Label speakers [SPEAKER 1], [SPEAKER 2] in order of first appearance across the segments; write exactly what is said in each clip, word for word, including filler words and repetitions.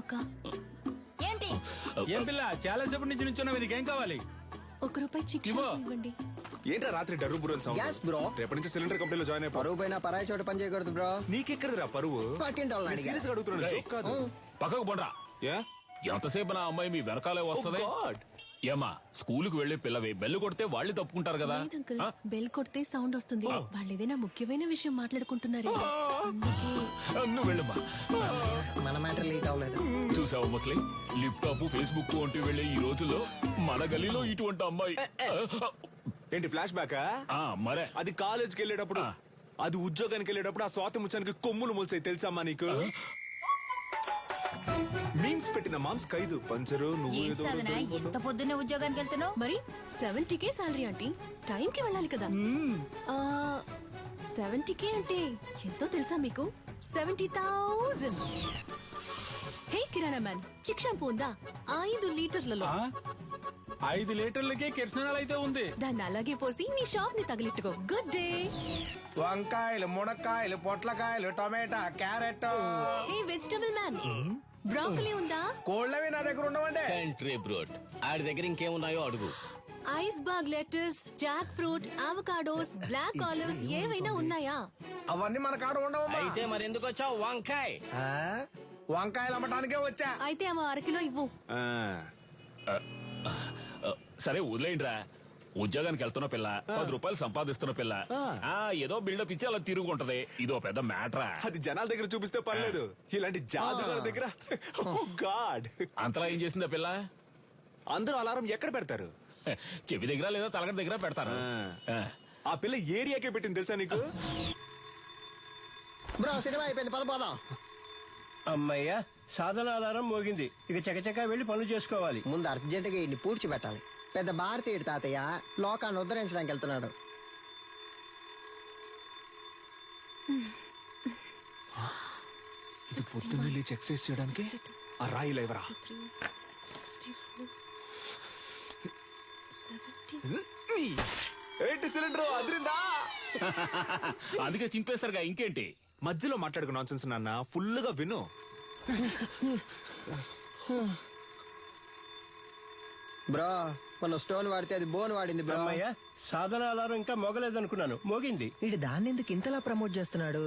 [SPEAKER 1] అక్క
[SPEAKER 2] ఏంటి
[SPEAKER 3] ఏం పిల్ల చాలా సేపటి నుంచి నుంచున్నావు, నీకేం కావాలి?
[SPEAKER 1] ఒక రూపాయి చిక్
[SPEAKER 3] ఇవ్వు.
[SPEAKER 1] ఇవ్వండి.
[SPEAKER 4] ఏంట్రా రాత్రి డర్రు బుర్రని సౌండ్?
[SPEAKER 5] Gas bro.
[SPEAKER 4] రేపటి నుంచి సిలిండర్ కంపెనీలో జాయిన్ అయిపో.
[SPEAKER 5] పరువు పైన పరాయి చోట పని చేయకూడదు బ్రో.
[SPEAKER 4] నీకెక్కడదిరా పరువు?
[SPEAKER 5] పక్కింటి వాళ్ళని అడిగా.
[SPEAKER 4] సీరియస్ గా అడుగుతున్నాను,
[SPEAKER 3] రేయ్.
[SPEAKER 4] జోక్ కాదు.
[SPEAKER 3] పక్కకు పోండ్రా.
[SPEAKER 4] ఏ?
[SPEAKER 3] ఎంతసేపు నా అమ్మాయి మీ వెనకాలే వస్తది?
[SPEAKER 4] Oh God.
[SPEAKER 3] ఏమా స్కూలుకు వెళ్లే పిల్లవి బెల్లు కొడితే వాళ్ళు తప్పుకుంటారు కదా.
[SPEAKER 1] లేదు అంకుల్,
[SPEAKER 3] ఆ?
[SPEAKER 1] బెల్ కొడితే సౌండ్ వస్తుంది. వాళ్ళు ఏదైనా ముఖ్యమైన విషయం మాట్లాడుకుంటున్నారు అందుకే.
[SPEAKER 3] నువ్వు వెళ్ళమ్మా.
[SPEAKER 5] మన మ్యాటర్ లీక్ అవ్వలేదు.
[SPEAKER 3] చూసావు ముస్లి, లిప్టాప్ ఫేస్బుక్ వంటి వెళ్లే ఈ రోజుల్లో మన గలీలో ఇటువంటి అమ్మాయి.
[SPEAKER 4] ఏంటి ఫ్లాష్ బ్యాకా?
[SPEAKER 3] ఆ, మరే
[SPEAKER 4] అది కాలేజ్కి వెళ్ళేటప్పుడు,
[SPEAKER 3] ఆ.
[SPEAKER 4] అది ఉద్యోగానికి వెళ్ళేటప్పుడు ఆ స్వాతి ముచ్చానికి కొమ్ములు మొలిసాయి తెలుసమ్మా నీకు? మీమ్స్ పెట్టిన మామ్స్ ఖైదు పంచరు నువ్వు
[SPEAKER 2] ఏం
[SPEAKER 4] ఏదో
[SPEAKER 2] సాధన ఎంత పొద్దున్నే ఉద్యోగానికి వెళ్తున్నావు?
[SPEAKER 1] మరి seventy K salary aunty, time కి వెళ్ళాలి కదా. సెవెంటీ కే అంటే ఎంతో తెలుసా మీకు? Seventy thousand. Hey kirana man, chick shampoo ఉందా? ఐదు లీటర్లలో.
[SPEAKER 3] ఆ? ఐదు లీటర్లకే కిరసనాలు అయితే ఉంది.
[SPEAKER 1] దాన్ని అలాగే పోసి నీ షాప్ ని తగిలిట్టుకో. Good day.
[SPEAKER 6] వంకాయలు, మునక్కాయలు, పొట్లకాయలు, tomato, carrot.
[SPEAKER 1] Hey vegetable man, broccoli ఉందా?
[SPEAKER 6] కోళ్ళవి నా దగ్గర ఉండవండి.
[SPEAKER 7] కంట్రీ బ్రోడ్ ఆడి దగ్గర ఇంకేమున్నాయో అడుగు.
[SPEAKER 1] Iceberg lettuce, jackfruit, avocados, black olives ఏవైనా ఉన్నాయా?
[SPEAKER 6] అవన్నీ మన కాడ ఉండవమ్మా.
[SPEAKER 7] అయితే మరెందుకు వచ్చావు? వంకాయ్
[SPEAKER 6] ఆ? వంకాయలు అమ్మటానికే వచ్చా.
[SPEAKER 1] అయితే అవ అరకిలో ఇవ్వు.
[SPEAKER 4] ఆ.
[SPEAKER 3] ఆ, సరే వదిలేయండిరా. ఉద్యోగానికి వెళ్తున్న పిల్ల, పది రూపాయలు సంపాదిస్తున్న పిల్ల, ఆ ఏదో బిల్డప్ ఇచ్చి అలా తిరుగుంటది. ఇదో పెద్ద మ్యాటరా.
[SPEAKER 4] అది జనాల దగ్గర చూపిస్తే పర్లేదు, ఇలాంటి జాదుగారి దగ్గర ఓ గాడ్.
[SPEAKER 3] అంతలా ఏం చేసింది ఆ పిల్ల?
[SPEAKER 4] అందరూ అలారం ఎక్కడ పెడతారు?
[SPEAKER 3] చెవి దగ్గర లేదా తలగడ దగ్గర పెడతారు.
[SPEAKER 4] ఆ.
[SPEAKER 3] ఆ.
[SPEAKER 4] ఆ పిల్ల ఏరియాకే పెట్టింది తెలుసా నీకు?
[SPEAKER 5] బ్రో సినిమా అయిపోయింది, పద పోదాం.
[SPEAKER 6] అమ్మయ్య, సాధన అలారం మోగింది. ఇక చకచకా వెళ్లి పనులు చేసుకోవాలి.
[SPEAKER 5] ముందు అర్జెంట్ గా ఇన్ని పూడ్చిపెట్టాలి. పెద్ద భారతీయుడు తాతయ్య లోకాన్ని ఉద్ధరించడానికి వెళ్తున్నాడు.
[SPEAKER 4] ఇది పొద్దున్న లేచి ఎక్సర్సైజ్ చేయడానికి ఆ రాయి లేవరా. ఏంటి సిలిండర్ అదిరిందా?
[SPEAKER 3] అందుకే చింపేస్తారుగా, ఇంకేంటి?
[SPEAKER 4] మధ్యలో మాట్లాడుకు నాన్సెన్స్ నాన్న, ఫుల్ గా విను.
[SPEAKER 5] బ్రో మన స్టోన్ వాడితే అది బోన్ వాడింది బ్రో.
[SPEAKER 6] అమ్మయ్య, సాధన అలారం ఇంకా మోగలేదనుకున్నాను, మోగింది.
[SPEAKER 5] వీడు దాన్ని ఎందుకు ఇంతలా ప్రమోట్ చేస్తున్నాడు?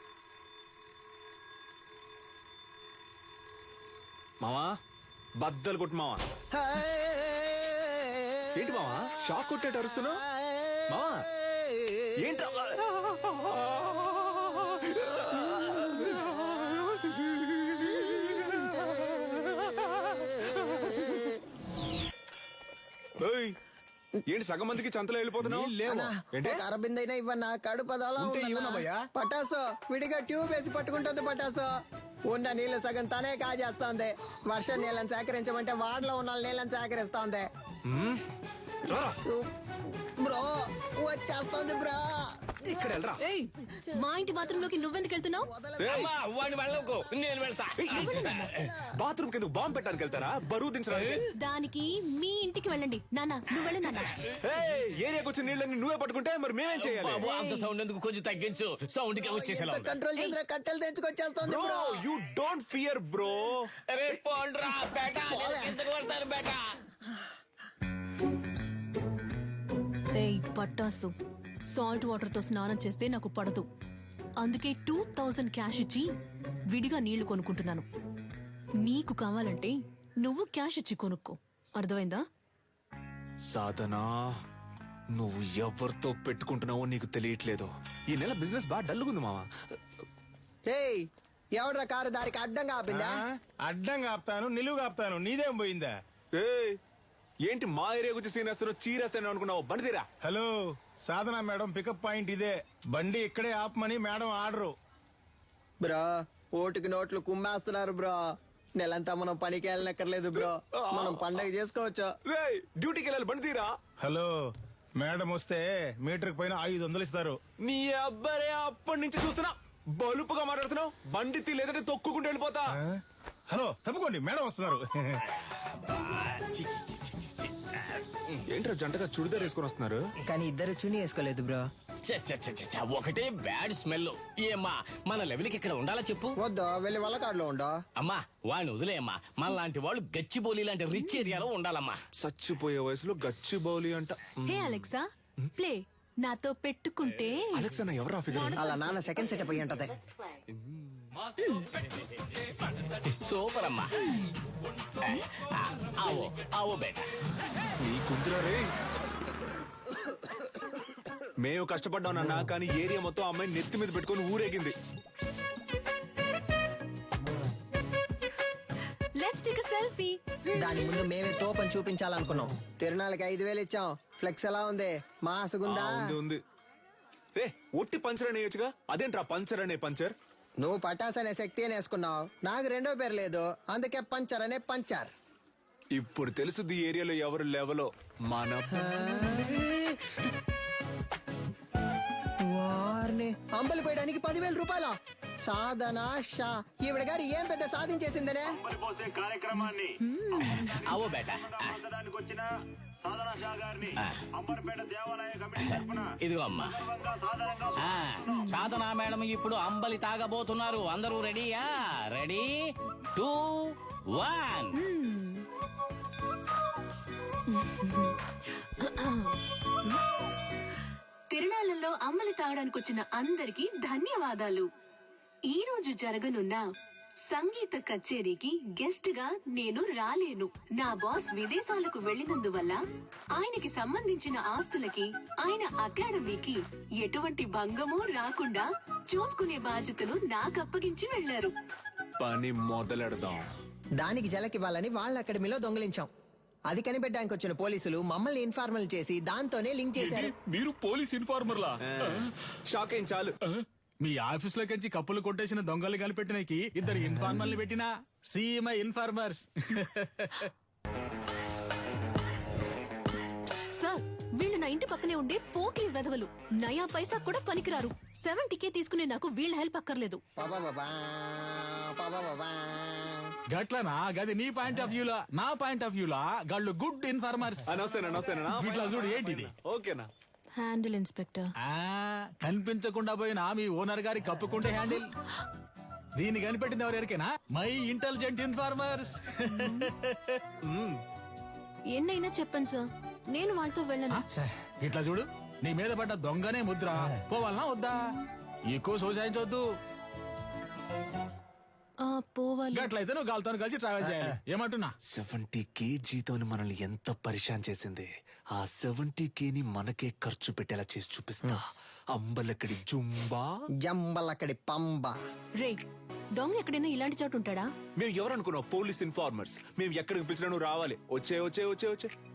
[SPEAKER 4] మావా బద్దలు కొట్టు మావా. ఏంటి మావా షాక్ కొట్టేట అరుస్తున్నావు? మావా ఏంటి? ఏయ్, ఏంటి సగం మందికి చంతలో వెళ్ళిపోతున్నావు? ఏంటి?
[SPEAKER 5] అరబిందైనా ఇవ్వన్నా కడుపు అదోలా
[SPEAKER 6] ఉంటే
[SPEAKER 5] ఉందన్నా.
[SPEAKER 6] ఇవ్వనమ్మయ్యా.
[SPEAKER 5] పటాసు విడిగా ట్యూబ్ వేసి పట్టుకుంటుంది. పటాసు ఉన్న నీళ్లు సగం తనే కాజేస్తోంది. వర్షం నీళ్ళని సేకరించమంటే వాడలో ఉన్న నీళ్ళని సేకరిస్తోంది.
[SPEAKER 4] రారా.
[SPEAKER 5] బ్రో వచ్చేస్తోంది బ్రో.
[SPEAKER 4] ఇక్కడ వెళ్ళరా.
[SPEAKER 1] ఏయ్, మా ఇంటి బాత్రూమ్ లోకి నువ్వెందుకు వెళ్తున్నావు?
[SPEAKER 7] అమ్మా, వాడిని వెళ్ళకు, నేను వెళ్తా.
[SPEAKER 4] బాత్రూమ్ కింద బాంబు పెట్టడానికి వెళ్తారా? బరువు దించడానికి?
[SPEAKER 1] దానికి మీ ఇంటికి వెళ్ళండి. నాన్న నువ్వు వెళ్ళి నాన్న.
[SPEAKER 4] ఏయ్, ఏరియాకి వచ్చిన నీళ్ళని నువ్వే పట్టుకుంటే మరి మేమేం చేయాలి?
[SPEAKER 7] బాబు, అంత సౌండ్ ఎందుకు? కొంచెం తగ్గించు. సౌండ్ కి వచ్చేసేలా ఉంది.
[SPEAKER 5] కంట్రోల్ చేసిన కట్టెలు తెచ్చుకొచ్చేస్తోంది
[SPEAKER 4] bro
[SPEAKER 5] bro.
[SPEAKER 4] You don't fear bro.
[SPEAKER 7] రే పోండ్రా బేటా, నేను కిందకు వెళ్తాను బేటా.
[SPEAKER 1] ఏయ్ పట్టాసు, సాల్ట్ వాటర్ తో స్నానం చేస్తే నాకు పడదు. అందుకే టూ థౌజండ్ క్యాష్ ఇచ్చి విడిగా నీళ్లు కొనుక్కుంటున్నాను. నీకు కావాలంటే నువ్వు క్యాష్ ఇచ్చి కొనుక్కో, అర్థమైందా?
[SPEAKER 4] సాధనా, నువ్వు ఎవరితో పెట్టుకుంటున్నావో నీకు తెలియట్లేదు. ఈ నెల బిజినెస్ బాగా డల్లుగుంది మావా.
[SPEAKER 5] ఏయ్ ఎవడ్రా కారు దారికి అడ్డంగా ఆపిందా?
[SPEAKER 6] అడ్డంగా ఆపుతాను, నిలువుగా ఆపుతాను, నీదేం పోయిందా?
[SPEAKER 4] ఏయ్, ఏంటి మా ఏరియా గురించి సీన్ వేస్తారో చీరేస్తాను అనుకున్నావు? బండి తీరా.
[SPEAKER 6] Hello, Sadhana madam pickup point ఇదే. బండి ఇక్కడే ఆపమని మేడం ఆర్డరు.
[SPEAKER 5] బ్రో ఓటుకి నోట్లు కుమ్మేస్తున్నారు బ్రో. నెలంతా మనం పనికి వెళ్ళనక్కర్లేదు బ్రో, మనం పండగ చేసుకోవచ్చు.
[SPEAKER 4] రేయ్, డ్యూటీకి వెళ్ళాలి, బండి తీరా.
[SPEAKER 6] హలో, మేడం వస్తే మీటర్ పైన ఐదు వందలు ఇస్తారు.
[SPEAKER 4] నీ అబ్బరే అప్పటి నుంచి చూస్తున్నా బలుపుగా మాట్లాడుతున్నావు. బండి తీ, లేదంటే తొక్కుకుంటూ వెళ్ళిపోతా.
[SPEAKER 6] ఆ? హలో తప్పుకోండి, మేడం వస్తున్నారు.
[SPEAKER 4] ఏంట్రా జంటగా చుడిదార్ వేసుకొని వస్తున్నారు?
[SPEAKER 5] కానీ ఇద్దరు చుని వేసుకోలేదు బ్రో.
[SPEAKER 7] చ్చ, చ్చ, చ్చ, చ్చ, చ్చ, ఒకటే బ్యాడ్ స్మెల్. ఏమ్మా మన లెవెల్కి ఇక్కడ ఉండాలా చెప్పు.
[SPEAKER 5] వద్దు వెళ్ళి వల్లకాడులో ఉండో.
[SPEAKER 7] అమ్మా వాడిని వదిలేయమ్మా. మన లాంటి వాళ్ళు గచ్చిబౌలి లాంటి రిచ్ ఏరియాలో ఉండాలమ్మా.
[SPEAKER 4] చచ్చిపోయే వయసులో గచ్చి బౌలి అంట.
[SPEAKER 1] హే అలెక్సా ప్లే నాతో పెట్టుకుంటే
[SPEAKER 4] అలెక్స్ అన్న ఎవరా ఫిగర్?
[SPEAKER 5] అలా నాన్న సెకండ్ సెటప్ అయ్యి ఉంటది.
[SPEAKER 7] సూపర్ అమ్మా. ఆ, ఆవో ఆవో బేటా.
[SPEAKER 4] నీ కుంతురా రే. మేము కష్టపడ్డాం నాన్న, కానీ ఏరియా మొత్తం అమ్మాయిని నెత్తి మీద పెట్టుకొని ఊరేగింది.
[SPEAKER 1] Let's take a selfie.
[SPEAKER 5] దాని ముందు మేమే తోపని చూపించాలనుకున్నాం. తిరునాళ్ళకి ఐదు వేలు ఇచ్చాం. ఫ్లెక్స్ ఎలా ఉంది? మాసుగుందా?
[SPEAKER 4] ఆ, ఉంది ఉంది. రే ఒట్టి పంచర్ అనేయచ్చుగా, అదేంట్రా పంచర్ అనే పంచర్?
[SPEAKER 5] నువ్వు పటాస్ అనే శక్తి అని వేసుకున్నావు. నాకు రెండో పేరు లేదు, అందుకే పంచర్ అనే పంచర్.
[SPEAKER 4] ఇప్పుడు తెలుసుది ఈ ఏరియాలో ఎవరు లెవలో. మన
[SPEAKER 5] వారిని అంబలి పోయడానికి పదివేల రూపాయల సాధన షా ఈవిడ గారు ఏం పెద్ద సాధించేసిందనే.
[SPEAKER 8] పోసే కార్యక్రమాన్ని
[SPEAKER 7] ఆవో బేటా.
[SPEAKER 8] ఆచరించడానికి వచ్చిన సాధన షా గారిని అంబర్పేట దేవాలయ కమిటీ తరఫున
[SPEAKER 7] ఇదిగో అమ్మా.
[SPEAKER 8] సాధారణంగా
[SPEAKER 7] ఆ, సాధనా మేడం ఇప్పుడు అంబలి తాగబోతున్నారు. అందరూ రెడీయా? Ready two one.
[SPEAKER 1] తిరునాళ్ళలో అమ్మలి తాగడానికి వచ్చిన అందరికీ ధన్యవాదాలు. ఈ రోజు జరగనున్న సంగీత కచేరీకి గెస్ట్ గా నేను రాలేను. నా బాస్ విదేశాలకు వెళ్లినందువల్ల ఆయనకి సంబంధించిన ఆస్తులకి ఆయన అకాడమీకి ఎటువంటి భంగమూ రాకుండా చూసుకునే బాధ్యతను నాకు అప్పగించి వెళ్లారు.
[SPEAKER 4] పని మొదలెడదాం.
[SPEAKER 5] దానికి జలకివ్వాలని వాళ్ళ అకాడమీలో దొంగిలించాం. అది కనిపెట్టడానికి వచ్చిన పోలీసులు మమ్మల్ని ఇన్ఫార్మల్ చేసి దాంతోనే లింక్ చేశారు.
[SPEAKER 3] మీరు పోలీస్ ఇన్ఫార్మర్లా?
[SPEAKER 4] షాక్ అయింది చాలు.
[SPEAKER 9] మీ ఆఫీస్ లోకి కప్పులు కొట్టేసిన దొంగలు కనిపెట్టినకి ఇద్దరు ఇన్ఫార్మర్లు పెట్టినా సీఎంఐ ఇన్ఫార్మర్స్.
[SPEAKER 1] సార్ వీళ్ళు నా ఇంటి పక్కనే ఉండే పోకిరి వెధవలు. నయా పైసా కూడా పనికిరారు. సెవెంటీకే తీసుకునే నాకు వీళ్ళ హెల్ప్ అక్కర్లేదు.
[SPEAKER 5] పాపాపాపా, పాపాపాపా.
[SPEAKER 9] గట్లనా? గది నీ పాయింట్ ఆఫ్ వ్యూలా, నా పాయింట్ ఆఫ్ వ్యూలా గాళ్ళు గుడ్ ఇన్ఫార్మర్స్.
[SPEAKER 4] నమస్తేనా నమస్తేనా.
[SPEAKER 9] ఇట్లా చూడు ఏంటిది.
[SPEAKER 4] ఓకేనా?
[SPEAKER 1] Handle inspector.
[SPEAKER 9] ఆ కనిపించకుండా పోయిన మీ ఓనర్ గారి కప్పుకుంటే హ్యాండిల్. దీన్ని కనిపెట్టింది ఎవరు ఎరికేనా? My intelligent informers.
[SPEAKER 1] ఎన్నైనా చెప్పండి సార్, నేను వాళ్ళతో వెళ్ళను.
[SPEAKER 9] ఇట్లా చూడు, నీ మీద పడ్డ దొంగనే ముద్ర. పోవాలనా వద్దా? ఎక్కువ సోసాయించవద్దు.
[SPEAKER 1] ఆ, పోవాలి.
[SPEAKER 9] గట్లయితే నువ్వు గాలితో కలిసి ట్రావెల్ చేయాలి. ఏమంటున్నా?
[SPEAKER 4] సెవెంటీ కే జీతో మనల్ని ఎంత పరిశాన్ చేసింది. ఆ సెవెంటీ కే ని మనకే ఖర్చు పెట్టేలా చేసి చూపిస్తా. అంబలక్కడి జుంబా,
[SPEAKER 5] జంబలక్కడి పంబ.
[SPEAKER 1] రే దొంగ ఎక్కడైనా ఇలాంటి చోటు ఉంటాడా?
[SPEAKER 4] మేము ఎవరనుకున్నావు? Police informers. మేము ఎక్కడికి పిలిచినా నువ్వు రావాలి. వచ్చే వచ్చే వచ్చే వచ్చే